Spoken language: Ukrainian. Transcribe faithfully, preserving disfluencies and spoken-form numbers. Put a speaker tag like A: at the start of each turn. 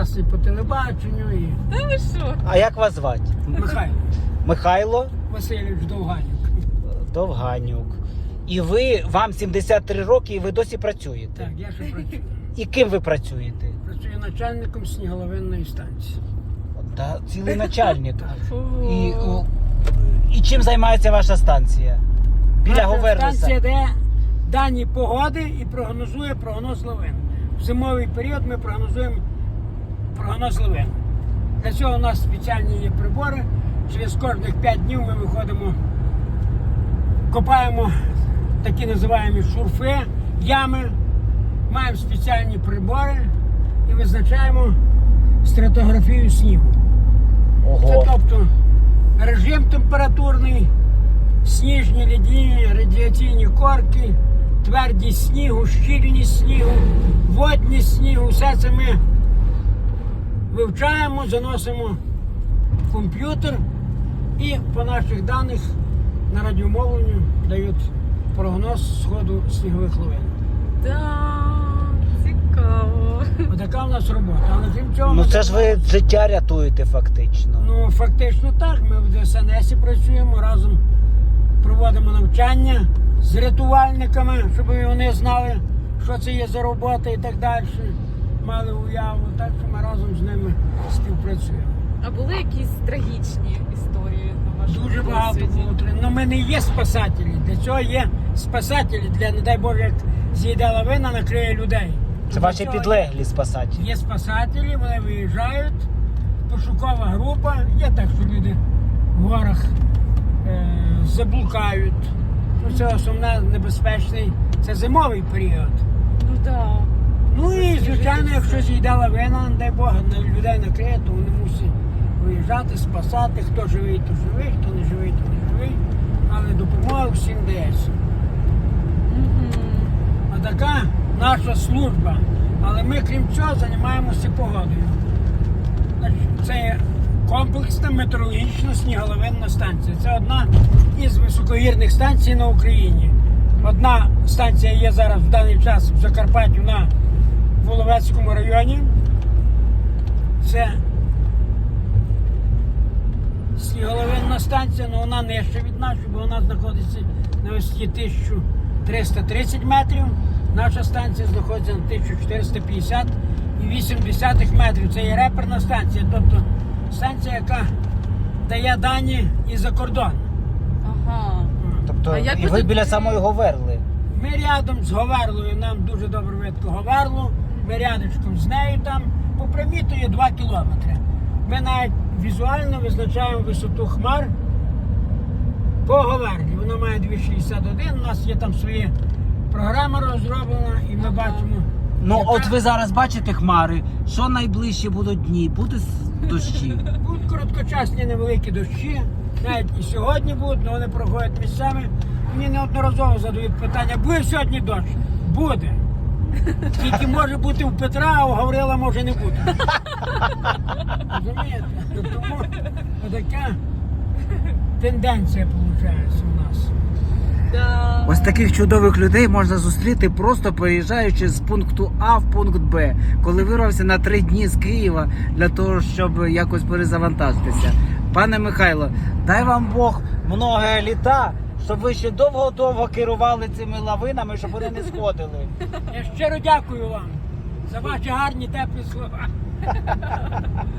A: прекрасний по телебаченню. І...
B: Та ви що?
C: А як вас звати?
A: Михайло
C: Михайло
A: Васильович Довганюк.
C: Довганюк. І ви, вам сімдесят три роки, і ви досі працюєте?
A: Так, я ще працюю.
C: І ким ви працюєте?
A: Працюю начальником сніголовинної станції.
C: Та цілий начальник.
A: Так.
C: І, о, і чим займається ваша станція? Біля
A: Наша
C: Говерлиса.
A: станція, де дані погоди і прогнозує прогноз лавин. В зимовий період ми прогнозуємо прогноз лавин. Для цього у нас спеціальні є прибори. Через кожних п'ять днів ми виходимо, копаємо такі називаємо шурфи, ями, маємо спеціальні прибори і визначаємо стратографію снігу. Це
C: Ого.
A: тобто режим температурний, сніжні льодяні радіаційні корки, твердість снігу, щільність снігу, водність снігу. Все це ми вивчаємо, заносимо в комп'ютер і по наших даних на радіомовленню дають прогноз сходу снігових лавин.
B: Так, цікаво.
A: Отака у нас робота. Але крім цього,
C: Ну
A: ми
C: це ж ви життя рятуєте фактично.
A: Ну, фактично так. Ми в Д С Н С працюємо, разом проводимо навчання з рятувальниками, щоб вони знали, що це є за робота і так далі. Мали уяву, так що ми разом з ними співпрацюємо.
B: А були якісь трагічні історії на вашому
A: Дуже багато
B: досвіді?
A: було. Ну, ми не є спасателі. Для цього є спасателі. Для, не дай Боже, як зійде лавина, накриє людей.
C: Це
A: Для
C: ваші
A: цього
C: підлеглі спасателі.
A: Є спасателі, вони виїжджають, пошукова група. Є так, що люди в горах е, заблукають. Ну, це основне небезпечний, це зимовий період.
B: Ну так.
A: Ну і, звичайно, якщо зійде лавина, не дай Бог, на людей накриє, то вони мусять виїжджати, спасати. Хто живий, то живий, хто не живий, то не живий. Але допомога всім дається. А така наша служба. Але ми, крім цього, займаємося погодою. Значить, це є комплексна метеорологічна сніголовинна станція. Це одна із високогірних станцій на Україні. Одна станція є зараз в даний час в Закарпатті на Воловецькому районі. Це сніголовинна станція, але вона нижча від нашої, бо вона знаходиться на висоті тисяча триста тридцять метрів. Наша станція знаходиться на тисяча чотириста п'ятдесят і вісім десятих метрів. Це є реперна станція, тобто станція, яка дає дані і за кордон.
B: Ага.
C: Тобто
B: А як
C: і
B: ви
C: ви
B: тут-
C: біля самої Говерли.
A: Ми рядом з Говерлою, нам дуже добре видко Говерлу, ми рядочком з нею там, по прямій то є два кілометри. Ми навіть візуально визначаємо висоту хмар по Говерлі. Вона має двісті шістдесят один, у нас є там своя програма розроблена і ми бачимо.
C: Ну
A: яка-
C: от ви зараз бачите хмари, що найближчі будуть дні? Будуть дощі?
A: Будуть короткочасні невеликі дощі, навіть і сьогодні будуть, але вони проходять місцями. Мені неодноразово задають питання, буде сьогодні дощ? Буде. Тільки може бути у Петра, а у Гаврила може не бути. Розумієте? Тому така тенденція виходить у нас.
B: Да.
C: Ось таких чудових людей можна зустріти, просто переїжджаючи з пункту А в пункт Б, коли вирвався на три дні з Києва для того, щоб якось перезавантажитися. Пане Михайло, дай вам Бог много літа, щоб ви ще довго-довго керували цими лавинами, щоб вони не сходили.
A: Я щиро дякую вам за ваші гарні теплі слова.